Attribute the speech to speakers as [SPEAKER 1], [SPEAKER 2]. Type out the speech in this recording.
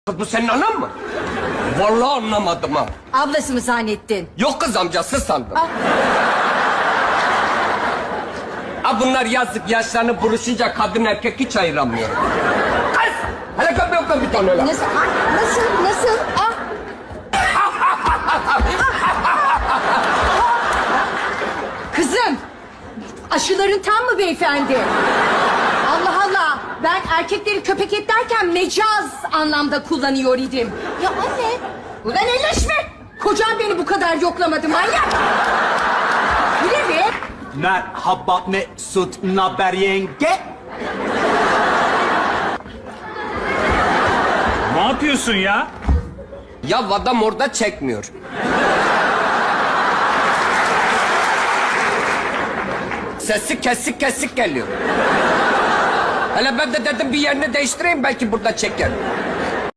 [SPEAKER 1] Kız bu senin anan mı? Vallahi anlamadım ha.
[SPEAKER 2] Ablası mı zannettin?
[SPEAKER 1] Yok kız amcası sandım.
[SPEAKER 2] Ah.
[SPEAKER 1] Ha bunlar yazık yaşlarını buruşunca kadın erkek hiç ayıramıyor. Kız! Hele kapı bir tane lan.
[SPEAKER 2] Nasıl? Ah, nasıl? Ah. Kızım, aşıların tam mı beyefendi? Allah Allah, ben erkekleri köpek et derken mecaz anlamda kullanıyor idim. Ya anne, ulan elleşme. Kocam beni bu kadar yoklamadı manyak. Bile mi?
[SPEAKER 3] Merhaba Mesut, naber yenge?
[SPEAKER 4] Ne yapıyorsun ya?
[SPEAKER 1] Ya adam orada çekmiyor. Sesi kesik geliyor. Hele ben de dedim bir yerini değiştireyim belki burada çeker.